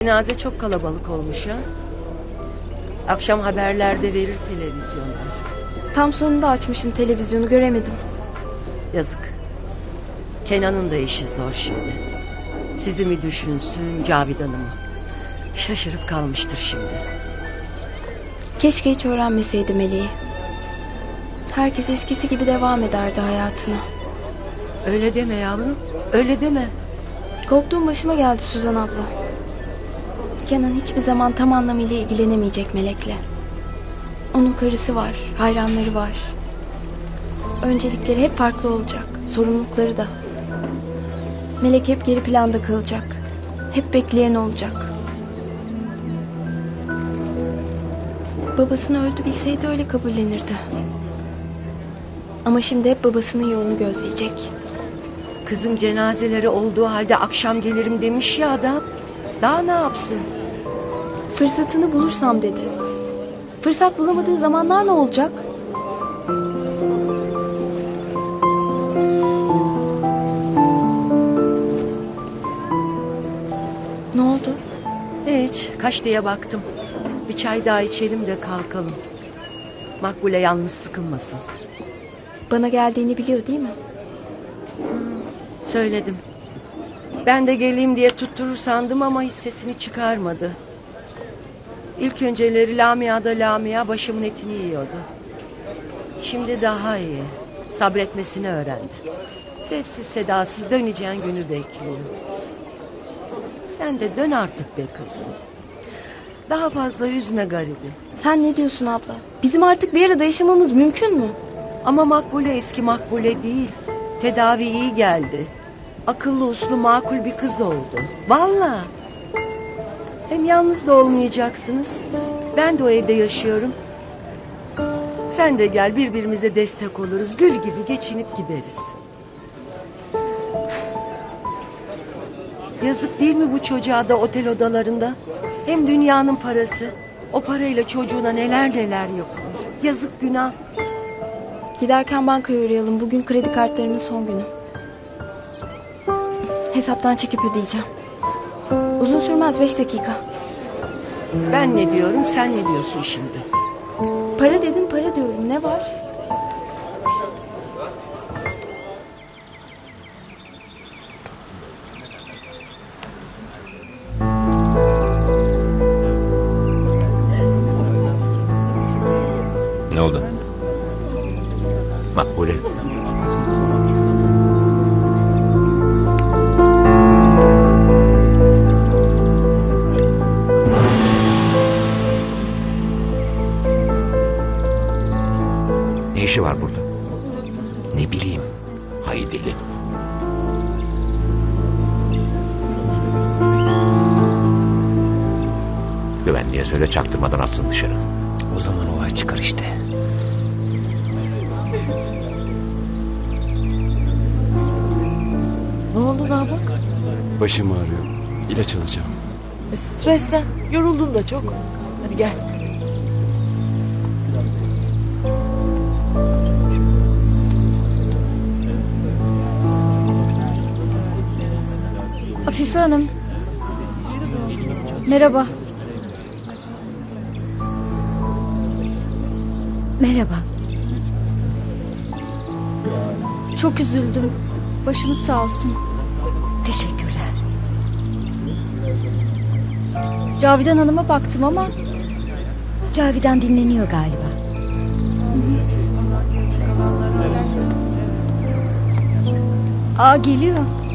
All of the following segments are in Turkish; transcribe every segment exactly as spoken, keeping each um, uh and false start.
cenaze çok kalabalık olmuş ha. Akşam haberlerde verir televizyonlar. Tam sonunda açmışım televizyonu, göremedim. Yazık. Kenan'ın da işi zor şimdi. Sizi mi düşünsün, Cavidan'ı mı? Şaşırıp kalmıştır şimdi. Keşke hiç öğrenmeseydi Meleği. Herkes eskisi gibi devam ederdi hayatına. Öyle deme yavrum, öyle deme. Korktuğum başıma geldi Suzan abla. Kenan hiçbir zaman tam anlamıyla ilgilenemeyecek Melek'le. Onun karısı var, hayranları var. Öncelikleri hep farklı olacak, sorumlulukları da. Melek hep geri planda kalacak. Hep bekleyen olacak. Babasını öldü bilseydi öyle kabullenirdi. Ama şimdi hep babasının yolunu gözleyecek. Kızım cenazeleri olduğu halde akşam gelirim demiş ya adam. Daha ne yapsın? Fırsatını bulursam dedi. Fırsat bulamadığı zamanlar ne olacak? Ne oldu? Hiç, kaç diye baktım. Bir çay daha içelim de kalkalım. Makbule yalnız sıkılmasın. Bana geldiğini biliyor değil mi? Söyledim. Ben de geleyim diye tutturur sandım ama hiç sesini çıkarmadı. İlk önceleri Lamia'da Lamia başımın etini yiyordu. Şimdi daha iyi. Sabretmesini öğrendi. Sessiz sedasız döneceğin günü bekliyor. Sen de dön artık be kızım. Daha fazla üzme garibi. Sen ne diyorsun abla? Bizim artık bir arada yaşamamız mümkün mü? Ama Makbule eski Makbule değil. Tedavi iyi geldi. Akıllı uslu makul bir kız oldu. Vallahi. Hem yalnız da olmayacaksınız. Ben de o evde yaşıyorum. Sen de gel, birbirimize destek oluruz. Gül gibi geçinip gideriz. Yazık değil mi bu çocuğa da otel odalarında? Hem dünyanın parası. O parayla çocuğuna neler neler yapılır. Yazık, günah. Giderken bankaya uğrayalım. Bugün kredi kartlarının son günü. Hesaptan çekip ödeyeceğim. Uzun sürmez, beş dakika. Ben ne diyorum, sen ne diyorsun şimdi? Para dedin, para diyorum. Ne var? Ne oldu? Makbule. Ne işi var burada? Ne bileyim. Hay deli. Güvenliğe söyle, çaktırmadan atsın dışarı. O zaman olay çıkar işte. Ne oldu daha bak? Başım ağrıyor. İlaç alacağım. E, stresten. Yoruldun da çok. Hadi gel. Afife Hanım. Merhaba. Merhaba. Çok üzüldüm. Başınız sağ olsun. Teşekkürler. Cavidan Hanım'a baktım ama... Cavidan dinleniyor galiba. Aa, geliyor.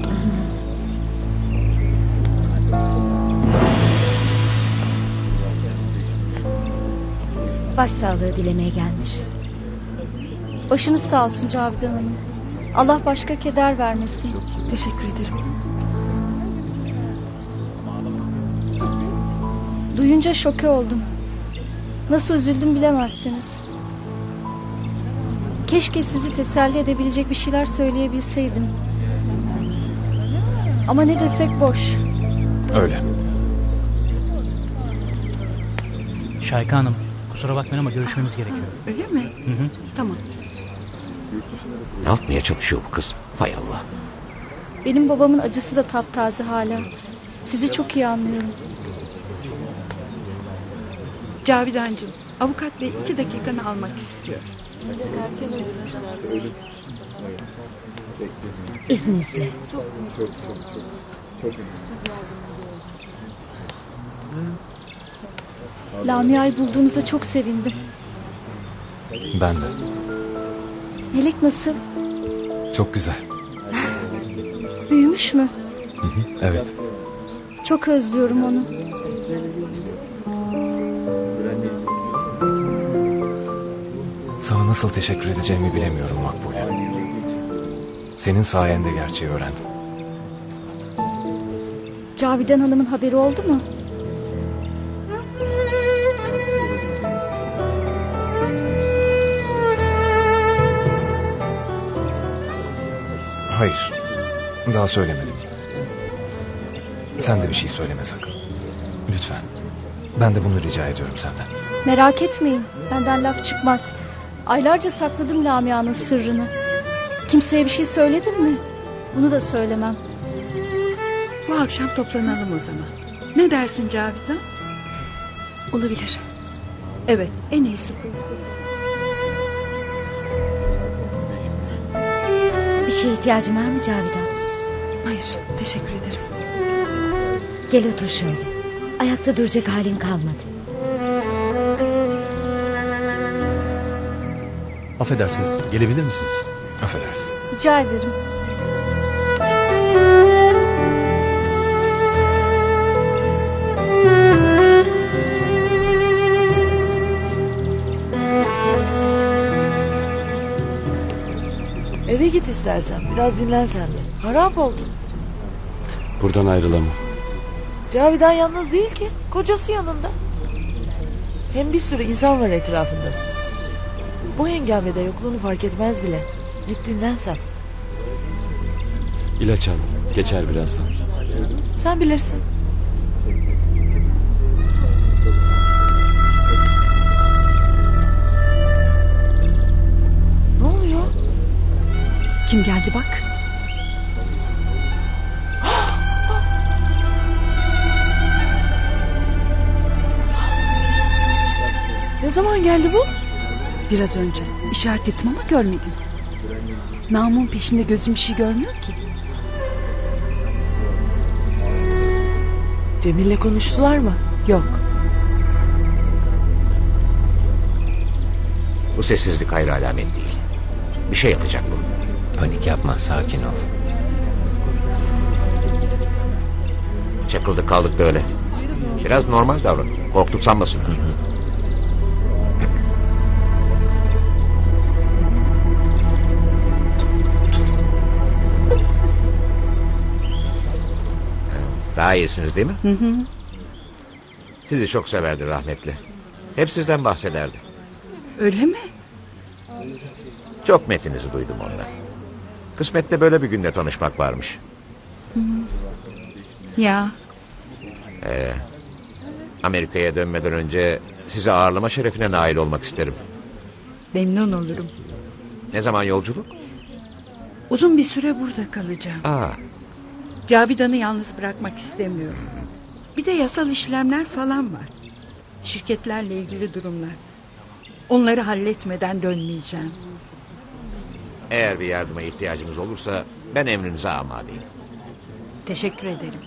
Başsağlığı dilemeye gelmiş. Başınız sağ olsun Cavidan Hanım. Allah başka keder vermesin. Teşekkür ederim. Duyunca şoke oldum. Nasıl üzüldüm bilemezsiniz. Keşke sizi teselli edebilecek bir şeyler söyleyebilseydim. Ama ne desek boş. Öyle. Şayka Hanım, kusura bakmayın ama görüşmemiz gerekiyor. Öyle mi? Hı hı. Tamam. Ne yapmaya çalışıyor bu kız? Hay Allah. Benim babamın acısı da taptaze hala. Sizi çok iyi anlıyorum. Cavidancığım, avukat bey iki dakikanı almak istiyor. İzninizle. Lamia'yı bulduğunuza çok sevindim. Ben de. Melek nasıl? Çok güzel. Büyümüş mü? Hı hı, evet. Çok özlüyorum onu. Sana nasıl teşekkür edeceğimi bilemiyorum Makbule. Senin sayende gerçeği öğrendim. Cavidan Hanım'ın haberi oldu mu? Hayır. Daha söylemedim. Sen de bir şey söyleme sakın. Lütfen. Ben de bunu rica ediyorum senden. Merak etmeyin. Benden laf çıkmaz. Aylarca sakladım Lamia'nın sırrını. Kimseye bir şey söyledin mi? Bunu da söylemem. Bu akşam toplanalım o zaman. Ne dersin Cavidan? Olabilir. Evet, en iyisi bu. Bir şeye ihtiyacın var mı Cavidan? Hayır, teşekkür ederim. Gel otur şöyle. Ayakta duracak halin kalmadı. Affedersiniz, gelebilir misiniz? Affedersin. Rica ederim. Eve git istersen. Biraz dinlen sen de. Harap oldun. Buradan ayrılamam. Cavidan yalnız değil ki. Kocası yanında. Hem bir sürü insan var etrafında. Bu hengamede yokluğunu fark etmez bile. Git dinlen sen. İlaç al. Geçer birazdan. Sen bilirsin. Ne oluyor? Kim geldi bak? Ne zaman geldi bu? Biraz önce. İşaret ettim ama görmedin. Namın peşinde gözüm bir şey görmüyor ki. Cemil'le konuştular mı? Yok. Bu sessizlik hayır alamet değil. Bir şey yapacak bu. Panik yapma, sakin ol. Çakıldık kaldık böyle. Biraz normal davran. Korktuk sanmasın. Hı hı. Daha iyisiniz değil mi? Hı hı. Sizi çok severdi rahmetli. Hep sizden bahsederdi. Öyle mi? Çok metinizi duydum ondan. Kısmette böyle bir günde tanışmak varmış. Hı. Ya. Ee, Amerika'ya dönmeden önce sizi ağırlama şerefine nail olmak isterim. Memnun olurum. Ne zaman yolculuk? Uzun bir süre burada kalacağım. Aa, Cavidan'ı yalnız bırakmak istemiyorum. Bir de yasal işlemler falan var. Şirketlerle ilgili durumlar. Onları halletmeden dönmeyeceğim. eğer bir yardıma ihtiyacınız olursa ben emrinize amadeyim. Teşekkür ederim.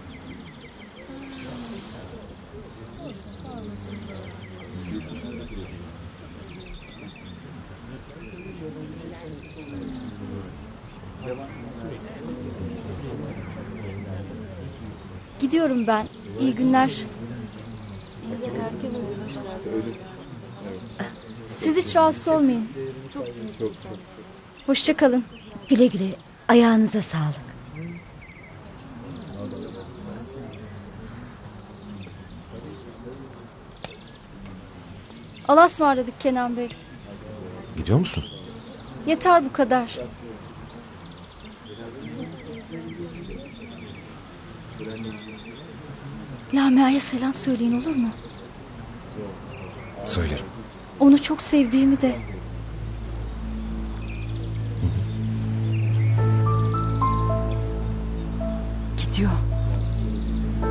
Gidiyorum ben. İyi günler. Siz hiç rahatsız olmayın. Hoşça kalın. Güle güle. Ayağınıza sağlık. Allah'a ısmarladık Kenan Bey. Gidiyor musun? Yeter bu kadar. Lamia'ya selam söyleyin olur mu? Söylerim. Onu çok sevdiğimi de. Gidiyor.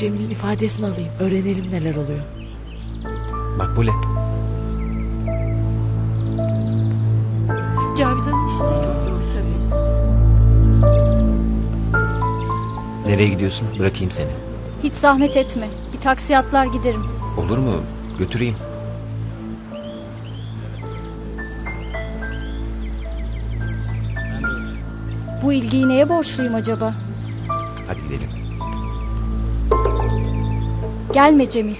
Cemil'in ifadesini alayım. Öğrenelim neler oluyor. Makbule. Cavidan'ın işleri çok zor tabii. Nereye gidiyorsun? Bırakayım seni. Hiç zahmet etme. Bir taksi atlar giderim. Olur mu? Götüreyim. Bu ilgiyi neye borçluyum acaba? Hadi gidelim. Gelme Cemil.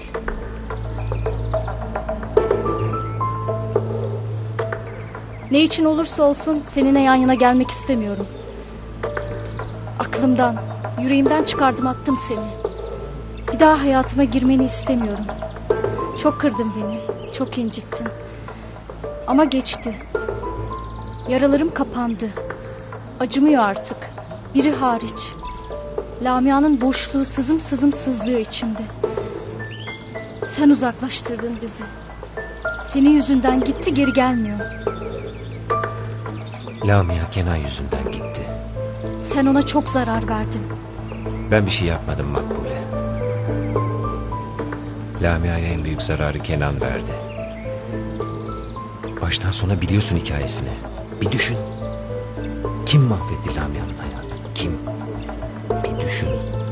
Ne için olursa olsun seninle yan yana gelmek istemiyorum. Aklımdan, yüreğimden çıkardım attım seni. Bir daha hayatıma girmeni istemiyorum. Çok kırdın beni, çok incittin. Ama geçti. Yaralarım kapandı. Acımıyor artık. Biri hariç. Lamia'nın boşluğu sızım sızım sızlıyor içimde. Sen uzaklaştırdın bizi. Senin yüzünden gitti, geri gelmiyor. Lamia Kenan yüzünden gitti. Sen ona çok zarar verdin. Ben bir şey yapmadım Makbule. Lamia'ya en büyük zararı Kenan verdi. Baştan sona biliyorsun hikayesini. Bir düşün. Kim mahvetti Lamia'nın hayatını? Kim? Bir düşün.